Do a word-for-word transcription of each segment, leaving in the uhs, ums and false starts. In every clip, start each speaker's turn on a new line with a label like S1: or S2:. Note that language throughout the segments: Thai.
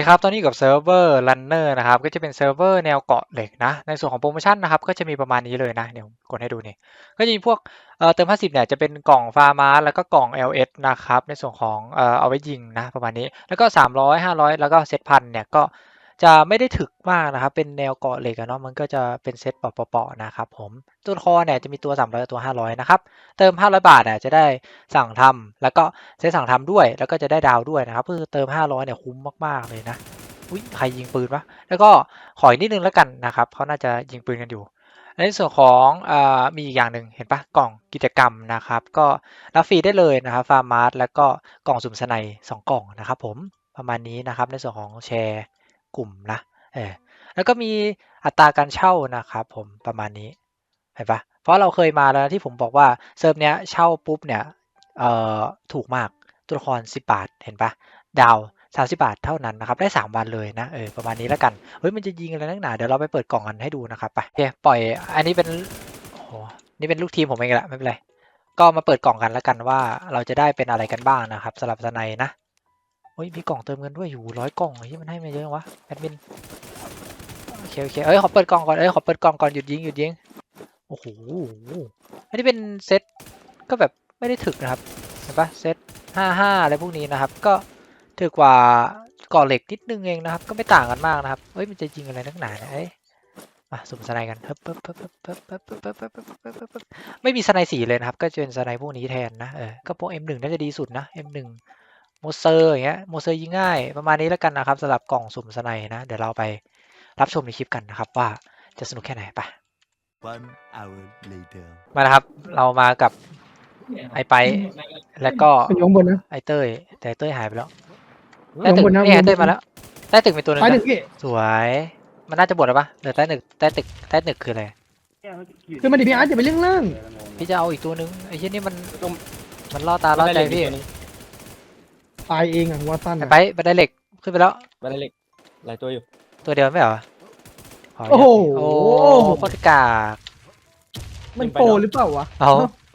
S1: สวัสดีครับตอนนี้กับเซิร์ฟเวอร์ Runner นะครับก็จะเป็นเซิร์ฟเวอร์แนวเกาะเหล็กนะในส่วนของโปรโมชั่นนะครับก็จะมีประมาณนี้เลยนะเดี๋ยวกดให้ดูนี่ก็จะมีพวกเอ่อเติมห้าสิบเนี่ยจะเป็นกล่องฟาร์มาแล้วก็กล่อง แอล เอส นะครับในส่วนของเอ่อเอาไว้ยิงนะประมาณนี้แล้วก็สามร้อย ห้าร้อยแล้วก็เซตพันเนี่ยก็จะไม่ได้ถึกมากนะครับเป็นแนวเกาะเหล็กอะเนาะมันก็จะเป็นเซตเปาะๆนะครับผมตัวคอเนี่ยจะมีตัวสามร้อยกับตัวห้าร้อยนะครับเติมห้าร้อยบาทอ่ะจะได้สั่งทำแล้วก็เซตสั่งทำด้วยแล้วก็จะได้ดาวด้วยนะครับคือเติมห้าร้อยเนี่ยคุ้มมากๆเลยนะอุ๊ยใครยิงปืนวะแล้วก็ขออีกนิดนึงแล้วกันนะครับเขาน่าจะยิงปืนกันอยู่ในส่วนของอ่ามีอีกอย่างหนึ่งเห็นปะกล่องกิจกรรมนะครับก็รับฟรีได้เลยนะครับฟาร์มาร์ทแล้วก็กล่องสุ่มสไนสองกล่องนะครับผมประมาณนี้นะครับในส่วนของแชร์กลุ่มนะเออแล้วก็มีอัตราการเช่านะครับผมประมาณนี้เห็นปะเพราะเราเคยมาแล้วที่ผมบอกว่าเซิร์ฟเนี้ยเช่าปุ๊บเนี่ยเอ่อถูกมากตัวละครสิบบาทเห็นปะดาวสามสิบบาทเท่านั้นนะครับได้สามวันเลยนะเออประมาณนี้แล้วกันเฮ้ยมันจะยิงอะไรนักหนาเดี๋ยวเราไปเปิดกล่องกันให้ดูนะครับไปโอเคปล่อยอันนี้เป็นโอ้โหนี่เป็นลูกทีมผมเองแหละไม่เป็นไรก็มาเปิดกล่องกันแล้วกันว่าเราจะได้เป็นอะไรกันบ้างนะครับสำหรับสไนนะเฮ้ยมีกล่องเติมเงินด้วยอยู่ร้อยกล่องที่มันให้มาเยอะวะแอดมินโอเคโอเคเอ้ยขอเปิดกล่องก่อนเอ้ยขอเปิดกล่องก่อนหยุดยิงหยุดยิงโอ้โหอันนี้เป็นเซตก็แบบไม่ได้ถึกนะครับเห็นปะเซตห้าห้าอะไรพวกนี้นะครับก็ถือกว่าก่อเหล็กนิดนึงเองนะครับก็ไม่ต่างกันมากนะครับเฮ้ยมันจะยิงอะไรนักหนาเนี่ยเอ้ยมาสุ่มสไนกันเฮ้ยปึ๊บปึ๊บปึ๊บปึ๊บปึ๊บปึ๊บปึ๊บปึ๊บปึ๊บปึ๊บปึ๊บไม่มีสไนสีเลยนะครับก็จะเป็นสไนพวกนี้แทนนะเออก็พวก เอ็ม หนึ่ง น่าจะดีสุดนะ เอ็ม หนึ่ง โมเซอร์อย่างเงี้ยโมเซอร์ยิงง่ายประมาณนี้แล้วกันนะครับสำหรับกล่องสุ่มสไนนะเดี๋ยวเราไปรับชมในคลิปกันนะครับว่าจะสนุกแค่ไหนไป
S2: One hour later
S1: มานะครับเรามากับไอไปแล้วก็
S3: มันอยู่ข้างบนนะ
S1: ไอเต้ยแต่ไอ้เต้ยหายไปแล้ว
S3: อยู่
S1: ใต้
S3: ข้าง
S1: ตึก
S3: บนนะ
S1: นี่ไอเต้ยมาแล้วใต้ตึกมีตัวหนึง
S3: ไปหนึ่
S1: นะ
S3: งพี่
S1: สวยมันน่าจะบวชแล้วปะเหลือใต้ตึกใต้ตึกใต้ตึกคืออะไร
S3: คือมันดิพี่อาร์ตอย่าไปเรื่องล่าง
S1: พี่จะเอาอีกตัวหนึงไอ้เหี้ยนี่มันมันล่อตาล่อใจพี่
S3: ตายเองอ่ะวอตสัน
S1: ไอ
S3: อ่ะ
S1: ไปบันไดเหล็กขึ้นไปแล้ว
S4: บันไดเหล็กหลายตัวอยู่
S1: ตัวเดียวไม่เหรอข
S3: โอ้โห
S1: โอ้โคตรกาก
S3: มันโปรหรือเปล่าวะ
S1: เอา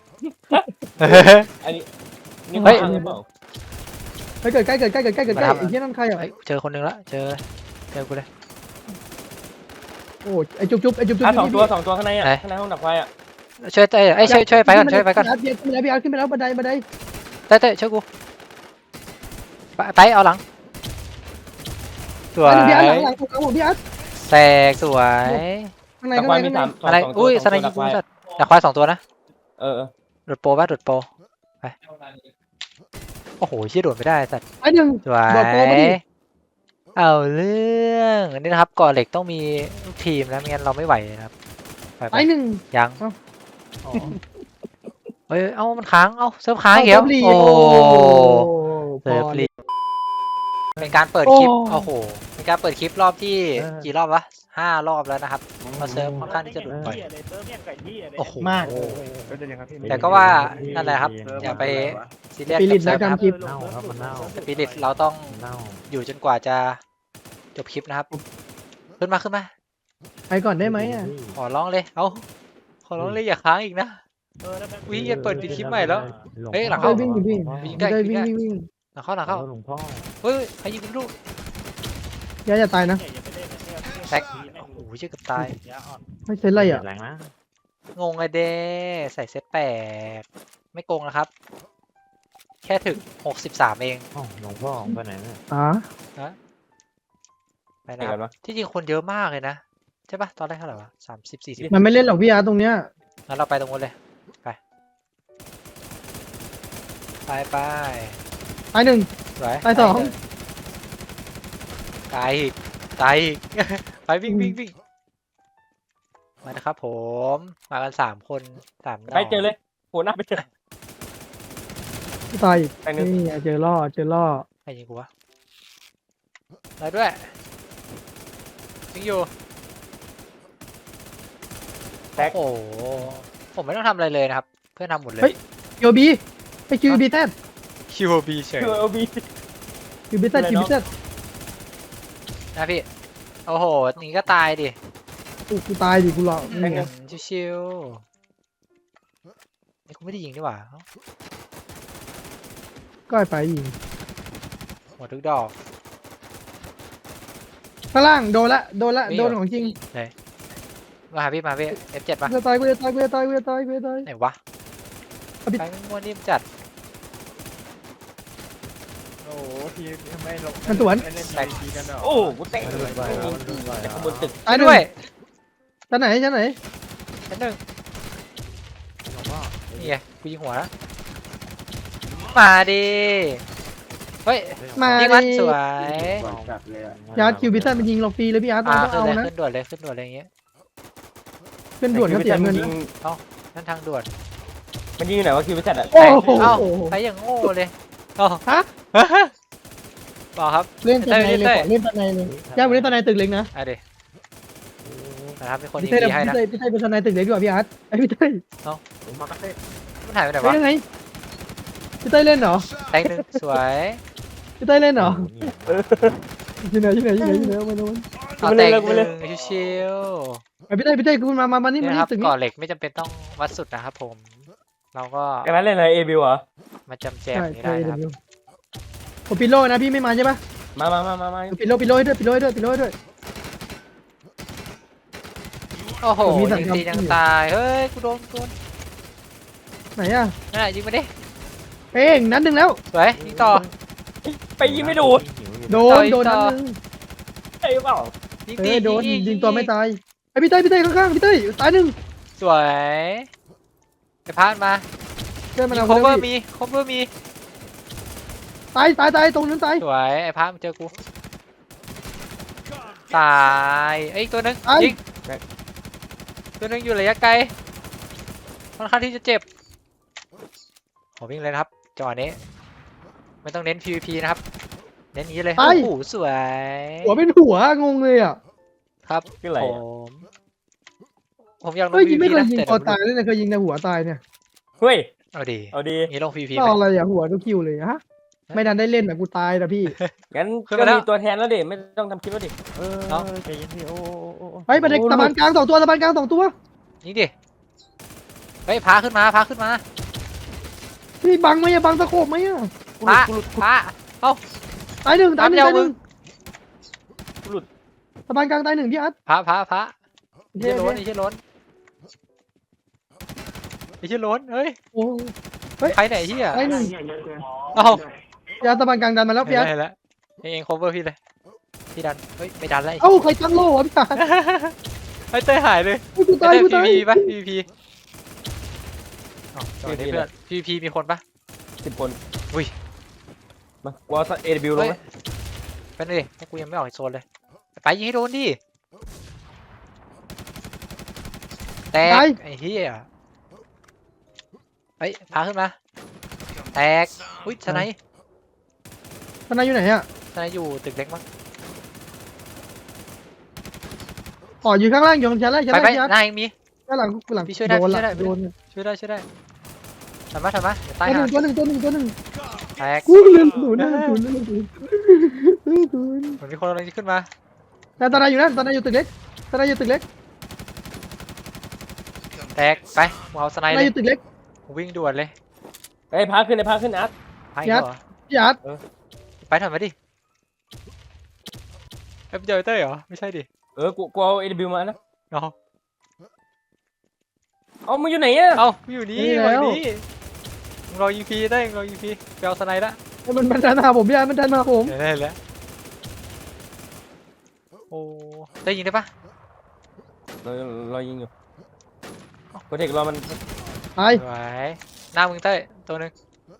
S4: อันนี้นี่
S1: เฮ้ย
S4: ข้างหรือเปล่า
S3: ไปเกิดใกล้เกิดใกล้เกิดใกล้เกิดใกล้
S1: มาทำ
S3: ไอ้เหี้ยนั่นใครอ่ะ
S1: เฮ้ยเจอคนหนึงละเจอเจอกูเลย
S3: โอ้ไอ้จุ๊บจุ๊บไอ้จุ๊บจุ๊บ
S4: อ่ะสองตัว
S3: พี่
S4: สองตัวข้างในอ่ะ
S1: ไหน
S4: ข้างในห้องดับไฟอ่ะ
S1: ช่วยเต้ยไอ้ยช่วยช่วยไปก่อนช่วยไปก่อน
S3: พี่อาร์ตขึ้นไปแล้วพี่อาร์ตขึ้นไปแล้วบันไดบันได
S1: เต้ยเต้ยช่วยกูไปไปเอาหลังสวย
S3: พี่อาร์ตหลังหลังหลังผมพี่อาร์ต
S1: แตกสวย
S3: ข้างใน
S4: ดับ
S3: ข้าง
S4: ไฟ
S3: ใน
S4: มี
S3: ข้างใน
S4: สามสอง
S1: อะไร
S4: สองตัว
S1: อุ้ย
S4: ส
S1: ส
S4: อง
S1: ไน
S4: ตัว
S1: ยิ
S4: ดั
S1: ง
S4: บไฟ
S1: กูสัตว์ดักควายสองตัวนะ
S4: เออเออ
S1: หลุดโปรป่ะหลุดโปรไปโอ้โหเชี่ยโดดไม่ได้สัตว์
S3: ไอ้หนึ่ง
S1: สวย
S3: โดดโปรมาดิ
S1: เอาเรื่องอันนี้นะครับก่อเหล็กต้องมีลูกทีมนะไม่งั้นเราไม่ไหวนะครับไปไป
S3: ไอ้หนึ่ง
S1: ยัง
S3: เอ้า
S1: อ๋อเอ้ยเอ้ามันค้างเอ้าเซิร์ฟค้างอีกแล้ว
S3: เซิร์ฟรี
S1: โอ้
S3: โอ้
S1: เซิร์ฟ
S3: พอ
S1: รีเป็นการเปิดคลิปโอ้โหเป็นการเปิดคลิปรอบที่กี่รอบวะห้ารอบแล้วนะครับมาเซิร์ฟค่อนข้างที่จะหลุดบ่อยโอ้โห
S3: มาก
S1: แต่ก็ว่านั่นแหละครับอย่าไปซีเรียส
S3: สปิริ
S1: กับ
S3: ต
S1: เซิร์ฟ
S3: นะ
S1: นะครับ
S3: จำคลิป
S5: เน่าครับมันเน่า
S1: สปิริตเราต้อง
S5: เน่า
S1: อยู่จนกว่าจะจบคลิปนะครับขึ้นมาขึ้นมา
S3: ไปก่อนได้ไหมอ่ะ
S1: ขอร้องเลยเอาขอร้องเลยอย่าค้างอีกนะวิ่งจะเปิดปิดคลิปใหม่แล้ว เฮ้ยหลัง
S3: ได้
S1: เข้า
S3: วิ่งอยู่พี่
S1: วิ่งได้
S3: ได้
S1: วิ่
S3: วิ่
S1: ง
S3: ง
S1: ได้
S3: วิ่งวิ่ง
S1: หลังเข้าหลังเข้า
S5: หลวงพ่อ
S1: เฮ้ยใครยิงกูลูก
S3: อย่าอย่าตายนะ
S1: แตกโอ้โหเชื่อเกับตาย
S3: ไม่ใช่ไรอ่ะ
S5: แรงนะ
S1: งงเลยเด้ใส่เซตแปดไม่โกงนะครับ แค่ถึงหกสิบสามเอง
S5: อ๋อหลวงพ่อไปไหนเนี่ย
S3: อ๋อ
S1: ไป
S4: ไหน
S1: นะค
S4: กั
S1: รับ
S4: นวะ
S1: ที่จริงคนเยอะมากเลยนะใช่ปะตอนแรกเท่าไหร่วะสามสิบสี่สิบ
S3: มันไม่เล่นหรอกพี่อาร์ตตรงเนี้ย
S1: งั้นเราไปตรงนู้นเลยไปไปไป
S3: ไอ้หนึ่ง
S1: สวย
S3: ไปสอง
S1: ตายอีกตายอีก ไปวิ่งวิ่งวิ่งมานะครับผมมากันสามคนสาม
S4: ไปเจอเลยโหหน้าไปเจอ
S3: ตายอีก
S4: ไปหนึ่ง
S3: นี่ไงเจอล่อเจอล่อ
S1: ใครยิงกูวะมาด้วยยิงอยู่
S4: แตก
S1: โอ้โหผมไม่ต้องทำอะไรเลยนะครับ เพื่อนทำหมดเลย
S3: คิวบีไปคิวบีแซด
S1: คิวบีเฉย
S4: คือเอลบี
S3: คิวบีแซด
S4: อะไร
S3: คิว
S4: เน
S3: บี
S4: อะ
S3: แซด
S1: นะพี่โอ้โหนี่ก็ตายดิ
S3: กูตายดิกูหลอกนี่ไง
S1: ชิวๆนี่กูไม่ได้ยิงดีกว่าเอ้า
S3: ก็ไอ้ไปยิง
S1: หมดทุกดอก
S3: ข้างล่างโดนละโดนละ
S1: นี่
S3: โดน
S1: เหรอ
S3: ของจริง
S1: มาหาพี่มาพี่ เอฟ เจ็ด ป่ะ
S3: กูจะตายกูจะตายกูจะตายกูจะตายกูจะตาย
S1: ไหนวะ
S3: เอาพี่
S1: ไปมั่วนิ่มจัด
S6: โอ้โหพี่ทำไมลง
S3: มันสวน
S6: ไม่เล่นไทีกันเหรอ
S4: โอ้กูเตะ
S5: มันเลยไป
S4: ไม่
S5: แล้ว
S4: ยิง
S5: มันเลยไป
S4: จาก
S5: แล้ว
S4: ข้างบนตึก
S3: ตายหนึ่ง
S1: ด้วย
S3: ชั้นไหนชั้นไหน
S1: ชั้นหนึ่ง
S5: หลวงพ่อ
S1: นี่ไงกูยิงหัวแล้วมาดิเฮ้ย
S3: มา
S1: ยิงมัน
S3: ดิ
S1: สวย
S3: ยาร์ดคิวบิตันมันยิงเราฟรีเลยพี่อาร์ต
S1: อ่า
S3: เราต้อง
S1: ขึ้น
S3: เอา
S1: เลย
S3: นะ
S1: ขึ้นด่วนเลยขึ้นด่วนเลยอย่างเงี้ย
S3: เป็นด่วนก็เสียเงิน
S4: ยิ
S3: นะ
S4: ง
S1: นั่นทางด่วน
S4: มันยิงอยู่ไหนวะคิวไปจัดอ่ะ
S3: โอ้โห
S1: เอ้าไปอย่างโง่เลยเอ้า
S3: ฮะ
S1: บอกครับ
S3: เล่นตะไนเลย
S1: เต้ย
S3: ขอเล่นตะไนเลยย่าไปเล่นตะไนตึกเล็กนะ
S1: อ่ะเดี๋ยวนะครับเป็นคนยิ
S3: พี่
S1: ง
S3: เต้ย
S1: ดีให้
S3: พี่
S1: นะ
S3: เต้ยพี่เต้ยเป็นตะไนตึกเล็กดีกว่าพี่อาร์ตไอพี่เต้ย
S1: มันหายไปไหน
S3: เฮ้ยว
S1: ะ
S3: ยังไงพี่เต้ยเล่นเหรอ
S1: แตงหนึ่งสวย
S3: พี่เต้ยเล่นเหรอ
S5: โอ้โหเนี่ย
S3: ที่ไหนที่ไหนที่ไหนที่ไหนเอามาโน้น
S1: เอาแตงหนึ่งชิว
S3: ไอพี่เต้ยพี่เต้ยคุณมามามา
S1: ๆ
S3: นี่
S1: นี่
S3: มา
S1: นะ
S3: นี่
S1: ครับ
S3: ตึกนี้
S1: ก่อเหล็กไม่จำเป็นต้องวัดสุดนะครับผม เราก็
S4: กันนั้นเล่นอะไรเอบิวเหรอ
S1: มาจำแจม
S3: ใช่
S1: นี้
S3: ใช่
S1: ได้นะครับ
S3: เดี๋ยวผมปิดโล่นะพี่ไม่มาใช่ปะ
S4: มามามามามา
S3: ปิดโล่ปิดโล่ให้ด้วยปิดโล่ให้ด้วยปิดโล่ให้ด้วย
S1: โอ้โห
S3: ผมมีสั
S1: ยิ
S3: ญ
S1: ง
S3: ญาณ
S1: ตียัง
S3: อยู่
S1: ตายเฮ้ยกูโดนกูโดน
S3: ไหนอ่ะ
S1: นั่นแหละยิงไปดิ
S3: เอ้งนัดหนึ่งแล้ว
S1: สวยยิงต่อ
S4: ไปยิงไม่โดน
S3: โด
S1: ต่
S3: น
S1: อ
S3: โดน
S1: ต่
S3: นั
S1: อ
S3: ดหนึ่ง
S4: ใช่เปล่า
S1: ยิง
S3: เอ
S1: ตี
S3: อโดน
S1: อีก
S3: ยิงตัวไม่ตายไอพี่เต้ยพี่เต้ยข้างๆพี่เต้ยตายหนึ่ง
S1: สวยไปพาดมา
S3: เต้ยมา
S1: มี
S3: เอา
S1: โคเวอร์
S3: มี
S1: มีโคเวอร์มี
S3: ตายตายตายตรงนั้นตาย
S1: สวยไอ้พามันเจอกูตายไอ้ยตัวหนึง
S3: ไอ้
S1: ยิงตัวหนึงอยู่ระยะไกลค่อนข้างที่จะเจ็บขอวิ่งเลยนะครับจังหวะนี้ไม่ต้องเน้น พี วี พี นะครับเน้นอย่างนี้เลยโอ้โหสวย
S3: หัวเป็นหัวงงเลยอ่ะ
S1: ครับ
S4: คืออะไร
S1: ผ
S4: อะ
S1: มผมอยากลง
S3: เฮ้ยยิ
S1: พี
S3: ง
S1: วี
S3: ไม่
S1: พี
S3: เคย
S1: นะ
S3: ยิง
S1: แต่
S3: คอ
S1: เดี๋ยว
S3: ตายเลยนะเคยยิงแต่หัวตายเนี่ย
S4: เฮ้ย
S1: เอาดี
S4: เอาดี
S1: งี้ลง พี วี พี
S3: ก็
S1: ไหม
S3: อะไรอ่ะหัวทุกคิวเลยฮะไม่ดันได้เล่นอ่ะกูตายนะพี่
S4: งั้น
S1: ขึ้น
S4: ก็
S1: มาแล้ว
S4: มีตัวแทนแล้วดิไม่ต้องทำคลิปแล้วดิ
S5: เออ
S1: เอ้า
S5: ใจเย็นพี่โอ้โอ้โอ้โอ้
S3: เฮ้ยประเด็นตะบานกลางสองตัวตะบานกลางสองตัว
S1: ยิงดิเฮ้ยพาขึ้นมาพาขึ้นมา
S3: พี่บังไหมอ่ะบังตะโขบไหมอ่ะ
S1: พาพา
S3: ตายหนึ่งตายหนึ่ง
S1: ตามยาว
S3: ตายหนึ่ง
S4: หลุด
S3: ตะบานกลางตายหนึ่งพี่อาร์ต
S1: พาพาพา
S3: โอเค
S1: ไอ้เชี่ย
S3: โอ
S1: ล้น
S3: เค
S1: ไอ้เชี่ยล้นไอ้เชี่ยล้นเฮ้ย
S3: โอ้
S1: ใครไหนเชี่ย
S3: ตายหนึ่ง
S1: เอ้า
S3: พี่อาร์ตตะบานกลางดันมาแล้วพี่อาร์ต
S1: เห็นแล้วเองเอง cover พี่เลยพี่ดันเฮ้ยไม่ดันแล้วไอ้
S3: เอ้าใครตั้งโล่วะพี่อาร์ต
S1: ไอ้เต้ยหายเลย
S3: อุ๊ยกูตาย
S1: ไอ้
S3: กู
S1: เต้
S3: ตาย
S1: ย พี พี ป่ะ พี พีอ๋อจังหวะนี้เพื่อน พี พี มีคนป่ะ
S4: สิบคน
S1: อุ้ย
S4: มาวอลเอบิวลง
S1: เฮ้ย
S4: ไหม
S1: เป็นดิพวกกูยังไม่ออกจากโซนเลยไปยิงให้โดนดิแตกไอ้เหี้ยเฮ้ยพาขึ้นมาแตกอุ้ยสไนป์
S3: ทนายอยู่ไหนอ่ะ
S1: สไนป์อยู่ตึกเล็กมั้ง
S3: อ๋ออยู่ข้างล่างอยู่ชั้นแรกชั้น
S1: ไป
S3: แรก
S1: ไป
S3: พี่อาร์ต
S1: หน้าเองมี
S3: ด้านหลังหลัง
S1: พี่ช่วยได้
S3: โดน
S1: พี่ช่วยได้
S3: ละโดน
S1: ช่วยได้ช่วยได้ทำมาทำมาเดี๋ยวใต้
S3: ตัวห
S1: หา
S3: นึ่งตัวหนึ่งตัวหนึ่งตัวหนึ่ง
S1: แตก
S3: กูเล่นศูนย์นั่นศูนย์นั่นศูนย์ศูนย์
S1: เหมือนมีคนกำลังจะขึ้นมา
S3: แต่ตอนนายอยู่นั่นตอนนายอยู่ตึกเล็กตอนนายอยู่ตึกเล็ก
S1: แตกไปกูเอาสไน
S3: ตอน
S1: ป์
S3: นา
S1: เลย ย
S3: อยู่ตึกเล็ก
S1: กูวิ่งด่วนเลย
S4: ไอ้ยพาขึ้นไอ้พาขึ้นอาร์ต
S1: ไป
S3: ยัด
S1: เหรอ
S3: พี่อาร์ต
S1: ไปถอยมาดิเอ้ยเจอเต้ยเหรอไม่ใช่ดิ
S4: เออกูกูเอาเอบิวมานะ
S1: เอา
S4: เอามึงอยู่ไหนอ่ะ
S1: เอากูอยู่นี่ฝั่งนี้มึงรอยิงพีได้มึงรอยิงพีไปเอาสไนป์ละ
S3: มันมันดันมาผมพี่อาร์ตมันดันมาผม
S1: เดี๋ยวได้แล้วโอ้ได้ยิงได้ปะ
S4: เราเรายิงอยู่โปรเทคเรามัน
S3: ตาย
S1: ไหวหน้ามึงเต้ยตัวหนึง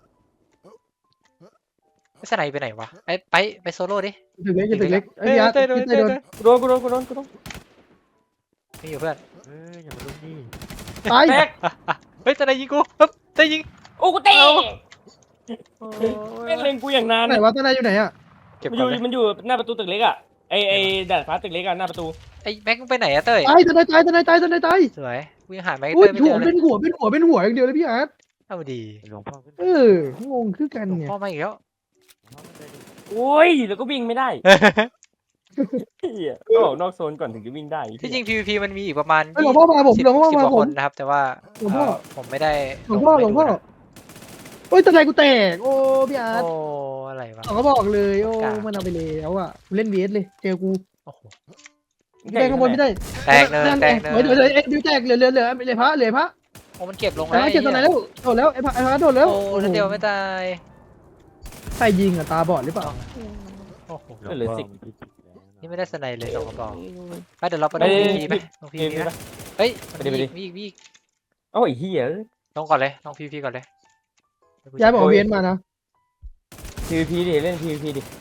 S1: ไอ้สไนป์ไปไหนวะไอ้ไปไปโซโล่ดิ
S3: ตึกเล็กอยู่ตึกเล็กไอ้ยพี่อาร์ต
S1: เต้ยโดน
S3: พี่
S1: เต้
S3: เต้
S1: ย
S3: ย
S1: โด
S3: โด
S1: น
S3: น
S4: กูโดนกูโดนกูโดนกูโดน
S1: มีอยู่เพื่อน
S5: เอออย่ามาลุ้นดิ
S3: ตาย
S4: แตก
S1: เฮ้ยสไนป์ยิงกูปึ๊บเต้ยยิง
S4: โอ้กูเตะ
S1: โอ้
S4: แม่งเล็งกูอย่างนาน
S3: ไหนวะตอนนายอยู่ไหนอ่ะ
S1: เก็บ
S4: มันอ
S1: ก่อยู่ นเลย
S4: มันอยู่หน้าประตูตึกเล็กอ่ะไอไอดาดฟ้าตึกเล็กอ่ะหน้าประตู
S1: ไอ้แม็กมึงไปไหนอะเต้ย
S3: ตายตอนนายตายตอนนายตายตอนนายตาย
S1: สวยกูยังหาแม็ก
S3: อุ้
S1: เต้
S3: ย
S1: ยไม่
S3: หั
S1: เจ
S3: ว
S1: อเล
S3: เป็
S1: ย
S3: นหัวเป็นหัวเป็นหัวอย่างเดียวเลยพี่อาร์ต
S1: เอาดี
S5: หลวงพ่อขึ้น
S3: เอองงคือกัน
S1: หลวง
S3: เนี่ย
S1: พ่อมาอีกแล้ว
S5: หลวงพ่อขึ้นไปดิ
S4: โอ้ยแล้วก็วิ่งไม่ได้เฮียก็ออกนอกโซนก่อนถึงจะวิ่งได้
S1: ที่จริง พี วี พี มันมีอีกประมาณ
S3: เฮ้ยหลวงพ่อมาผม
S1: สิบ
S3: หลวงพ่อ
S1: สิบ
S3: มาก
S1: ว่า
S3: ผ
S1: ค
S3: ม
S1: นนะครับ แต่ว่า
S3: หลวงพ่อ
S1: เอ่อผมไม่ได้
S3: หลวงพ่อหลวงพ่อ
S1: ไปดูนะ
S3: โอ้ยตอนนายกูแตกโอ้พี่อาร์ต
S1: โอ้อะไรวะ
S3: เขาก็บอกเลยโอ้
S1: กล้า
S3: มันเอาไปแล้วอ่ะกูเล่นเวสเลยเจอกู
S1: โอ้โห
S3: พี่เต้ยข้างบนพี่เต้ย
S1: แตกเนินแตกเนิน
S3: เดี๋ยวเดี๋ยวเอ็ดดิวแตกเหลือเหลือเหลือเหลือพระเหลือพระ
S1: โอ้มันเก็บลง
S3: ไอ้
S1: แล้ว
S3: พระเก็บตัวไหนแล้วโดดแล้วไอ้พระไอ้พระโดดแล้ว
S1: โอ้นั่นเดียวไม่ตาย
S3: ใครยิงอ่ะตาบอดหรือเปล่า
S1: โอ้โห
S4: เหลือสิบ
S1: นี่ไม่ได้สไนเลยสองกระบอกไปเดี๋ยวเราไปล
S4: เอ้
S1: ง
S4: ย
S1: พีพีไหมลงพี
S4: พี
S1: พี
S4: พี
S1: ไหม
S4: ปะ
S1: เฮ้ยมัน
S4: ไปดิ
S1: มี
S4: ไปดิ
S1: อีกมีอีกมีอีก
S4: โอ้ยเฮีย
S1: ลงก่อนเลยลงพีพีก่อนเลย
S3: ย้ายบอกเวียนมานะ
S4: พีพีดิเล่นพีพีดิ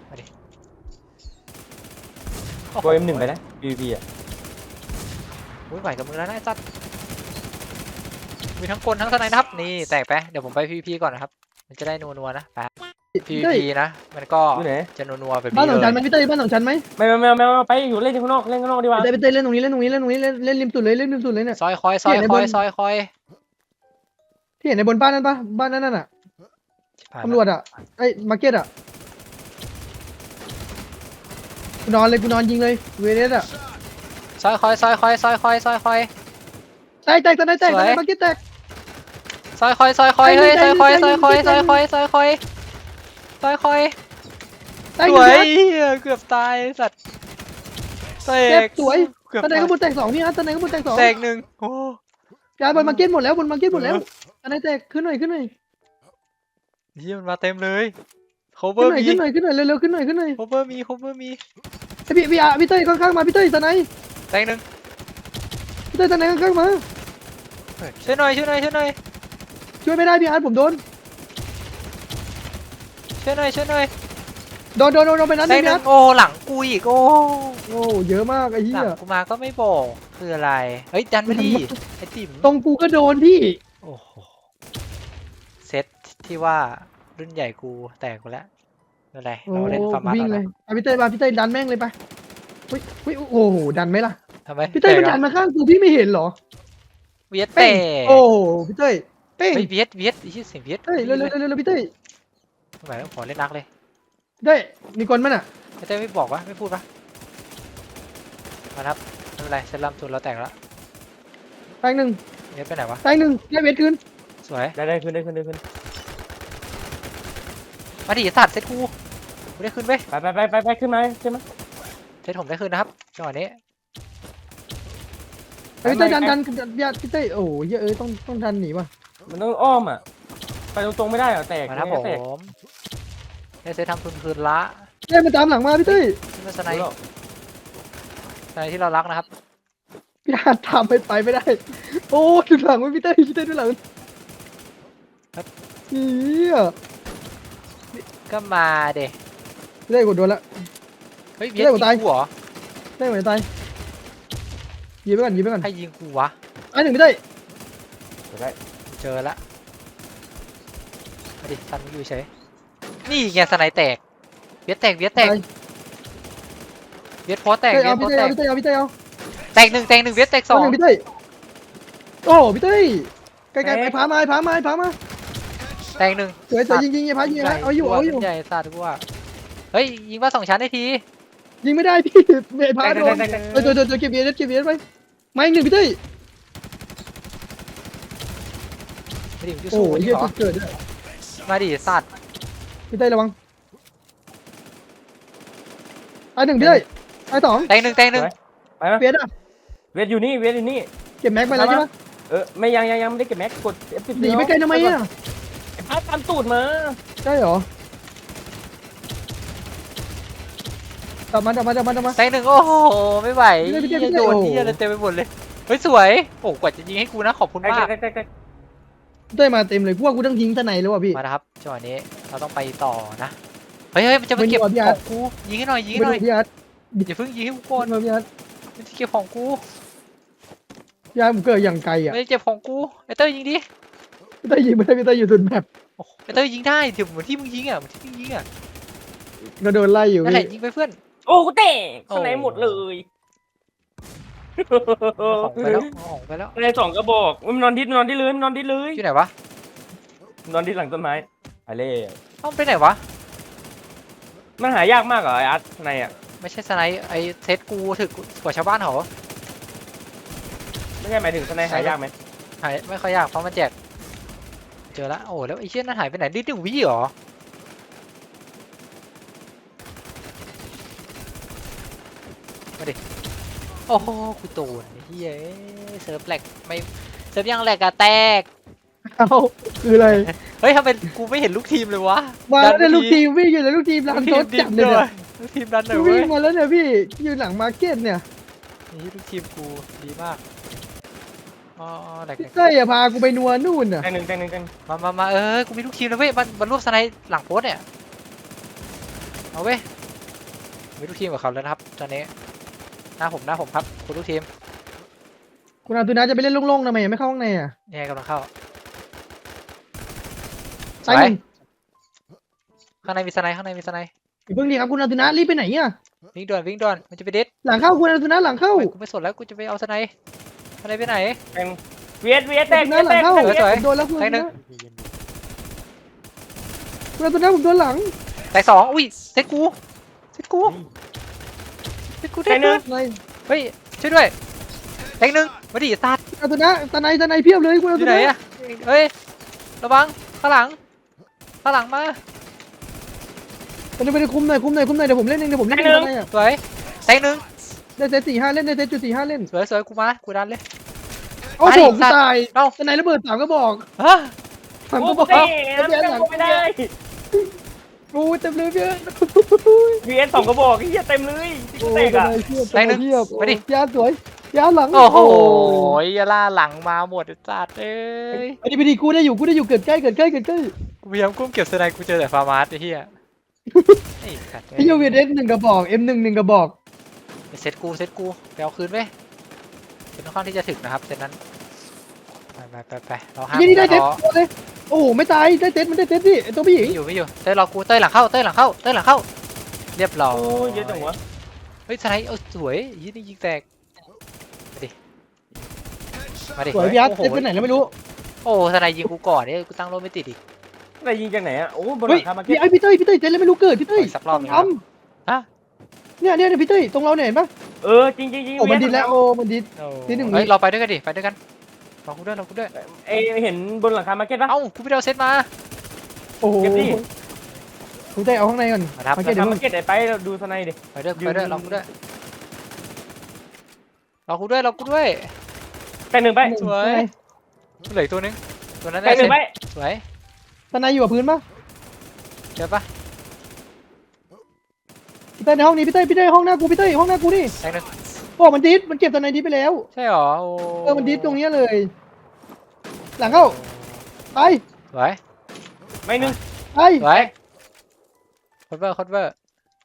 S1: โอ้โห
S4: โปรเอ็มหนึ่งไปนะพีพีอ่ะ
S1: อุ้ยไหวกับมึงแล้วนะไอ้สัตว์มีทั้งคนทั้งสไนนะครับนี่แตกไปเดี๋ยวผมไปพีพีก่อนนะครับมันจะได้นัวๆนะไปพีพีนะมันก็
S4: อยู่ไหน
S1: จะนัวๆแบบ
S3: บ้าน
S1: นี้
S3: สอง
S1: เล
S3: ชั้น
S1: ย
S3: ไหมพี่เต้ยบ้านสองชั้นไหม
S4: ไม่ไม่ไม่ไม่ไม่ไปอยู่เล่นข้างนอกเล่นข้างนอกดีกว่า
S3: พี่เต้ยพี่เต้ยเล่นตรงนี้เล่นตรงนี้เล่นตรงนี้เล่นเล่นริมสุดเลยเล่นริมสุดเลยเนี่ย
S1: ซอยคอยซอยคอยซอยคอย
S3: ที่เห็นในบนบ้านนั่นปะบ้านนั่นน่ะ
S1: ผ่าน
S3: ตำรวจอ่ะไอ้มาร์เก็ตอ่ะกูนอนเลยกูนอนยิงเลยเวเนสอ่ะ
S1: ซอยคอยซอยคอยซอยคอยซอยคอย
S3: แตกแตกตอนไหนแตกตอนไหนมาร์เก็ตแตก
S1: ซอยคอยซอยคอย
S3: ใจ
S1: เฮ้ย
S3: เย็
S1: ซอน ยคอย
S3: ใจ
S1: ซอย
S3: เย็น
S1: คอย
S3: ใจ
S1: ซอย
S3: เย็น
S1: คอยซอยคอยซอยคอย
S3: แตก
S1: ส
S3: อยู่
S1: วย
S3: นะ
S1: เหี้ยเกือบตายสัตว์แต
S3: เจ็บ
S1: ก
S3: สวย
S1: เกือบ
S3: ตอนไหน
S1: ตาย
S3: ก็บนแตกสองพี่ฮะตอนไหนก็บนแตกสอง
S1: แตกหนึ่งโอ้
S3: ย้ายบนมาร์เก็ตหมดแล้วบนมาร์เก็ตหมดแล้วตอนไหนแตกขึ้นหน่อยขึ้นหน่อย
S1: เหี้ยมันมาเต็มเลย
S3: ขึ้น
S1: cover
S3: หน่อย
S1: มี
S3: ขึ้นหน่อยขึ้นหน่อยเร็วๆขึ้นหน่อยขึ้นหน่อย
S1: cover มี cover มี
S3: ไอ้พี่พี่อาพี่เต้ยข้างๆมาพี่เต้ยตอนไหน
S1: แตกหนึ่ง
S3: พี่เต้ยตอนไหนข้างๆมา
S1: ช่วยหน่อยช่วยหน่อยช่วยหน่อย
S3: ช่วยไม่ได้พี่อาร์ตผมโดน
S1: ช่วยหน่อยช่วยหน่อย
S3: โดนโดนโดนโดนไปนั้น
S1: แต
S3: นึ
S1: ก
S3: ง
S1: หนึ่
S3: นะ
S1: งโอ้หลังกูอีกโอ้
S3: โอ้เยอะมากไอ้เหี้
S1: หลั
S3: ย
S1: งกูมาก็ไม่บอกคืออะไรเฮ้ยดันมาดิไอ้ติ๋ม
S3: ตรงกูก็โดนพี่
S1: โอ้โหเซตที่ว่ารุ่นใหญ่กูแตกกูแล้วนั่นแหละ
S3: โอ้
S1: เราเล่นฟาร์มา
S3: วิ่ง
S1: ต่อ
S3: เล
S1: นะ
S3: ยเอาพี่เต้ยมาพี่เต้ยดันแม่งเลยไปอุ้ยอุ้ยโอ้โหดันไหมล่ะ
S1: ทำไม
S3: พี่เต้ยมัน
S1: แต
S3: ดั
S1: ก
S3: น
S1: อะ
S3: มาข้างกูพี่ไม่เห็นเหรอ
S1: เวียด
S3: เป้
S1: เตะ
S3: งโอ้โหพี่เต้ยเป้ง
S1: เฮ้ยเวียดเวียดไอ้ชื่อเสียงเวียด
S3: เต้ยเร็วเร็วเร็วเร็วพี่เต้ย
S1: ทำไมต้องขอเล่นนักเลย
S3: เต้ยมีคนมั้ยน่ะ
S1: ไอ้เต้ไม่บอกวะไม่พูดปะมาครับไม่เป็นไรเซตลัมทุนเราแตกแล้ว
S3: แตงหนึ่ง
S1: เวียดไปไหนวะ
S3: แตงหนึ่งได้เวทคืน
S1: สวย
S4: ได้ได้ขึ้นได้ขึ้นได้ขึ้น
S1: มาดิสัตว์เซตกูกูได้ขึ้นเว้ย
S4: ไปไปไปไปไปขึ้นมาใช่ไหม
S1: เซตผมได้ขึ้นนะครับจังหวะนี้
S3: ไอ้พี่เต้ยดันดันดันพี่พี่เต้ยโอ้โหเหี้ยเอ้ยต้องต้องดันหนีว่ะ
S4: มันต้องอ้อมอ่ะไปตรงๆไม่ได้เหรอแตก
S1: มาครับผ
S4: แตก
S1: มได้เซตทำทุนคืนละ
S3: เต้ยมาตามหลังมาพี่เต้ย
S1: ที่มันสไนด์สไนด์ที่เรารักนะครับ
S3: พี่อาจตามไปไปไม่ได้ โอ้ดูหลังไว้พี่เต้ยพี่เต้ยดูหลังเหี้ย
S1: ก็มาเด็
S3: พี่เต้ยกดโดนละ
S1: เฮ้ยเวียด
S3: เรียก
S1: ยิ
S3: ว่าง ตาย
S1: กูเหรอ
S3: เต้ยเหมือนตายยิงไปก่อนยิงไปก่อน
S1: ใครยิงกูวะ
S3: ไอ้หนึ่งพี่เต้ย
S4: ได้
S1: เจอละมาดิซันมึงอยู่เฉยนี่ไงสไนด์แตกเวียดแตกเวียดแตก
S3: ตาย
S1: เวียดโพสแตก
S3: เต้ย
S1: เวีย
S3: เอา
S1: ดโพ
S3: พี่
S1: ส
S3: เต้ย
S1: แต
S3: เอา
S1: ก
S3: พี่เต้ยเอาพี่เต้ยเอา
S1: แตกหนึ่งแตกหนึ่งเวียดแตกส
S3: สอ
S1: อง ง
S3: หนึ่งพี่เต้ยโอ้พี่เต้ยไกลๆไปพามาพามาพามา
S1: แตกหนึ่ง
S3: สวยสวยยิงยิงยิงพายิงนะเอาอยู่เอาอยู่
S1: ใหญ่สัตว์กูว่าเฮ้ยยิงว่าสองชั้นได้ที
S3: ยิงไม่ได้พี่เมย์พาโดนเออตัวตัวตัวเก็บเบียร์เก็บเบียร์ไปมาอีกหนึ่งพี่เต้ย
S1: มาดิมึงจะ
S3: โอ้
S1: สู้
S3: ย
S1: มัน
S3: เหี้ย
S1: เหรอ
S3: จุดเกิดด้วย
S1: มาดิสัตว์
S3: พี่เต้ยระวังไอ้หนึ่งพี่เต้ยไอ้สอง
S1: แตกหนึ่งแตกหนึ่ง
S4: ไปไหม
S3: เบียร์อ่ะ
S4: เวทอยู่นี่เวทอยู่นี่
S3: เก็บแม็กไปแล้วใช่ปะ
S4: เออไม่ยังยังยังไม่ได้เก็บแม็กกด เอฟ สิบ
S3: หนีไปไกลทำไมอ่ะ
S4: ไอ้พัดตามตูดมา
S3: ใช่เหรอจับมันจับมันจับมันจับมัน
S1: แตกหนึ่งโอ้โหไม่ไหว
S3: พี่เต้ยพี่เต้ย
S1: โดน
S3: โอ้โห
S1: ที่อะไรเต็มไปหมดเลยเฮ้ยสวยโอ้กว่าจะยิงให้กูนะขอบคุณ
S4: แตก
S1: มาก
S4: แตกแตกแตก
S3: พี่เต้ยมาเต็มเลยพวกกูต้องทิ้งทนายแล้วว่ะพี่
S1: มานะครับจังหวะนี้เราต้องไปต่อนะเฮ้ยเฮ้ยมันจะมาเก็บ
S3: ไม่รู้อ่ะพี่อาร์ต
S1: ของกูยิงให้หน่อยยิงให้
S3: มา
S1: หน่
S3: ดู
S1: อย
S3: พี่อาร์ต
S1: อย่าเพิ่งยิงให้กูก่
S3: โอ
S1: อน
S3: นมาพี่อาร์ต
S1: มันจะเก็บของกู
S3: พี่อาร์ตผมเกิดอย่างไกลอ่ะ
S1: ไม่ได้เก็บของกูไอเต้ยยิงดิ
S3: พี่เต้ยยิงไม่ได้พี่เต้ยอยู่สุดแมป
S1: โอ้โหไอเต้ยยิงได้ถึงเหมือนที่มึงยิงอ่ะเหมือนที่มึงยิงอ่ะ
S3: ก็โดนไล่อยู่
S1: นั่นแห
S3: พี่
S1: ละยิงไปเพื่อน
S4: โอ้กูแตก
S1: โอ้
S4: ข้างในหมดเลย
S1: เอาของไปแล้วเอาของไปแล้ว
S4: ข้างในสองกระบอกมันนอนดิดนอนดิดเลยมันนอนดิดเลย
S1: อยู่ไหนวะ
S4: นอนดิดหลังต้นไม้ไปเลย
S1: เอ้ามันไปไหนวะ
S4: มันหายากมากเหรอไอ้อาร์ตข้างในอ่ะ
S1: ไม่ใช่สไนป์ไอเซตกูถึกกว่าชาวบ้านเหรอ
S4: ไม่ใช่หมายถึงข้างในหายากไหม
S1: หายไม่ค่อยยากเพราะมันแจกเจอละโอ้แล้วไอเชี่ยนั่นหายไปไหนดิ้นหนึ่งวิเหรอมาดิโอ้โหกูโดนไอ้เฮียเซิร์ฟแหลกไม่เซิร์ฟยังแหลกอะแตก
S3: เอาคืออะไร
S1: เฮ้ยทำไมกูไม่เห็นลูกทีมเลยวะ
S3: มาแล้วเนี่ย
S1: ดั
S3: ลูกทีมวิ่งอยู่ในลูกทีม
S1: ลู
S3: ลั
S1: ก
S3: น
S1: ที
S3: โต๊
S1: ม
S3: ด
S1: ดิ
S3: จั
S1: บบ
S3: เลย
S1: ด้ว
S3: เนี่ย
S1: ยลูกทีมดันหน่อย
S3: วิ่
S1: เว้
S3: ง
S1: ย
S3: มาแล้วเนี่ยพี่อยู่หลังมาร์เก็ตเนี่ย
S1: นี่ลูกทีมกูดีมากอ๋อแหลก
S3: พี่เต้ยอะพากูไปนัวนู่นน่ะ
S4: แตงหนึ่งแตงหนึ่งแตง
S1: ๆมามามาเออกูมีลูกทีมแล้วเว้ยมันมันรวบสไนด์หลังโพสต์เนี่ยเอาเว้ยมีลูกทีมกับเขาแล้วนะครับตอนนี้หน้าผมหน้าผมครับคุณลูกทีม
S3: คุณอาตุนาจะไปเล่นโล่งๆทำไมไม่เข้าข้างในอ่ะ
S1: เนี่ยกำลังเข้า
S3: ซ้ายหนึ่ง
S1: ข้างในมีสไนด์ข้างในมีสไนด์
S3: อย่าเพิ่งดีครับคุณอาตุนารีบไปไหนอ่ะ
S1: วิ่งด่วนวิ่งด่วนมันจะไปเด็ด
S3: หลังเข้าคุณอาตุนาหลังเข้า
S1: ไม่กูไม่สนแล้วกูจะไปเอาสไนด์สไนด์ไปไหน
S4: แตงเวียดเวียดแต
S3: อาก ตุ
S4: เวี
S3: นาย
S4: ด
S3: หลั
S4: แต
S3: ง
S4: ก
S3: เข้า
S1: สวย
S3: ผมโดนแล้วคุณอา
S1: ไปหนึ่
S3: ตุ
S1: ง
S3: นาคุณอาตุนาผมโดนหลัง
S1: แต่สองอุ้ยเซตกูเซตกูเซตกู
S4: แต
S1: ได้
S4: งห
S1: ห
S4: นึ่
S1: นึ่
S4: ง
S1: ง
S3: อะไร
S1: เฮ้ยช่วยด้วยแตงหนึ่งมาดิสัตว์
S3: อาตุนาตาในตาในเพียบเลยคุณอา
S1: อ
S3: ตุ
S1: ยู่ไหน
S3: นา
S1: อะเฮ้ยระวังข้างหลังข้างหลังมา
S3: มันจะไปคุมหน่อยคุมหน่อยคุมหน่อยเดี๋ยวผมเล่นเองเดี๋ยวผมเล่นเองตาในอ่ะ
S1: สวยแตงหนึ่ง
S3: ได้เซตสี่ห้าเล่นได้เซตจุดสี่ห้าเล่น
S1: สวยสวยกูมากูดันเลย
S3: โอ้โหกูตาย
S1: เอ้า
S3: ตาในระเบิดสามก็บอก
S1: ฮะ
S3: สาม
S4: โอ้
S3: ก็
S4: โห
S3: บอก
S4: เตะแล้วไม่ได้
S3: โอ้เต็มเลยพี่
S4: เวียดสองกระบอกเฮียเต็มเลย
S3: โอ้
S4: แต
S3: ย
S4: กอ่ะ
S3: เพียบเพียบยาสวยยาหลัง
S1: โอ้โหยาล่าหลังมาหมดไอ้สัตว์เอ้ย
S3: ไอ้นี่ไปดีกูได้อยู่กูได้อยู่เกิดใกล้เกิดใกล้เกิดใกล้
S1: กูพยายามกุ้มเก็บสไนด์กูเจอแต่ฟาร์มาสไอ้เหี้ยไอ้สัตว์
S3: ไอ้ยูวีเอสหนึ่งกระบอกเอ็มหนึ่งหนึ่งกระบอก
S1: เซตกูเซตกูไปเอาคืนเว้ยเซตค่อนข้างที่จะถึกนะครับเซตนั้นไปไปไปไปเราห้าม
S3: ยี่นี่ได้เซต
S1: ท้อ
S3: เลยโอ้โหไม่ตายได้เซตมันได้เซตพี่ไอ้ตัวผู้หญิง
S1: ไม่อยู่ไม่อยู่เต้ยรอกูเต้ยหลังเข้าเต้ยหลังเข้าเต้ยหลังเข้าเรียบร้อย
S4: โอ้ยเยอะจังวะ
S1: เฮ้ยสไนด์เอาสวยยี่นี่ยิงแตกมาดิมาดิ
S3: สวยพี่อาร์ต
S1: โอ้
S3: เซต
S1: โห
S3: ไปไหนแล้วไม่รู้
S1: โอ้สไนด์ยิงกูก่อนเนี่ยกูตั้งโลไม่ติดอีก
S4: อะไรยิงจากไหนอ่ะโอ้บนห
S3: เฮ้
S4: ลั
S3: ย
S4: งคามาเก็
S3: พี่
S4: ต
S3: ไอพี่เต้ยพี่เต้ยเซตแล้วไม่รู้เกิดพี่เต้ย
S1: ขออีกสักรอบหนึ่ง
S3: ท
S1: ฮะ
S3: ำเนี่ยเนี่ยพี่เต้ยตรงเราเนี่ยเห็นปะ
S4: เออจริงจริงจริง
S3: โอ้มันดิดแล้วโอ้มันดิด
S1: โอ้
S3: ที่หนึ่ง
S1: เฮ้ยเราไปด้วยกันดิไปด้วยกันรอกูด้วยรอกูด้วย
S4: เอเห็นบนหลังคามาเก็ตปะ
S1: เอ้ากูไปเอาเซตมา
S3: โอ้โห
S4: เก็บดิ
S3: คุณเต้ยเอาข้างในก่อน
S1: มาทับ
S3: มา
S4: ห
S3: เก็
S4: ลั
S3: ต
S4: ง
S3: เดี๋ยว
S4: คามาเก็ตไหนไปเราดูสไนด์ดิ
S1: ไปด้วย
S4: ยื
S1: ไป
S4: น
S1: ด้วยรอกูด้วยรอกูด้วยรอกูด้วย
S4: แตงหนึ่งไป
S1: สวยเหลืออกตัวนึงตัวนั้น
S4: แต
S1: ได้
S4: งหนึ่งไป
S1: สวย
S3: ตาในอยู่กับพื้นปะ
S1: เจอปะ
S3: พี่เต้ยในห้องนี้พี่เต้ยพี่เต้ยห้องหน้ากูพี่เต้ยห้องหน้ากูนี่
S1: แตงหนึ่ง
S3: โอ้มันดิดมันเก็บตาในดิดไปแล้ว
S1: ใช่หรอโอ้
S3: เออมันดิดตรงเนี้ยเลย หลังเข้าไป
S1: สวย
S4: ไม่หนึ่ง
S3: ไป
S1: สวยคอนเวอร์คอนเวอร์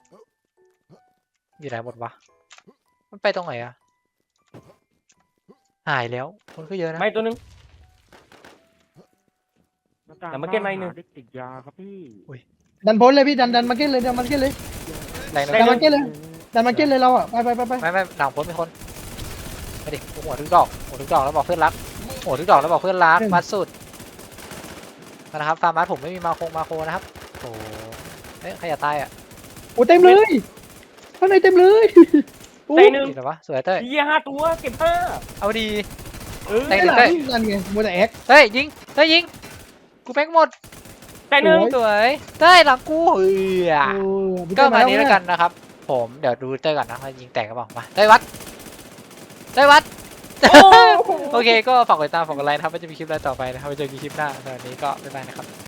S1: อยู่ไหนหมดวะมันไปตรงไหนอะหายแล้วคนก็เยอะนะ
S4: ไม่ตัวหนึ่ง
S5: หน้ต่าง
S4: แต่มาเก็ตไม้หนึ่ง
S5: เด็กติดยาครับพี่
S3: ดันพ้นเลยพี่ดันดันมาเก็ตเลยดันมาเก็ตเลย
S1: แตงหนึ่
S3: ดัน
S1: ง
S3: มาเก็ตเลยดันมาเก็ตเลยเราอ่ะไปไปไปไป
S1: ไม่ไม่หลังพ้นมีคนไปดิหัวทุกดอกหัวทุกดอกแล้วบอกเพื่อนรักหัวทุกดอกแล้วบอกเพื่อนรักมัดสุดนะครับฟาร์มัสผมไม่มีมาโคงมาโคนะครับโอ้เอ๊ะใครจะตายอ่ะ
S3: โอ้เต็มเลยข้างในเต็มเลยโอ้
S4: แตงหนึ่ง
S1: นี่เหรอวะสวยเต้ย
S4: เฮียห้าตัวเก็บห้า
S1: เอาดี
S4: เออ
S1: แตง
S3: ไอ้
S1: หนึ่
S3: ห
S1: ง
S3: ลั
S1: เต้ย
S3: งนั่นไงมัวแต่แอค
S1: เต้ยยิงเต้ยยิงกูแม็กหมด
S4: แตงหนึ่ง
S1: สวยเต้ยหลังกูเฮ้ย
S3: โอ้พี่
S1: ก็
S3: เต้ย
S1: มา
S3: แล้ว
S1: นี้แล้วกันนะครับ ผมเดี๋ยวดูเต้ยก่อนนะว่ายิงแตกกันเปล่ามาเต้ยวัดเต้ยวัด
S4: โอ้
S1: โอเคก็ฝากกดติดตามฝากกดไลค์นะครับว่าจะมีคลิปอะไรต่อไปนะครับไว้เจอกันคลิปหน้าสำหรับวันนี้ก็บ๊ายบายนะครับ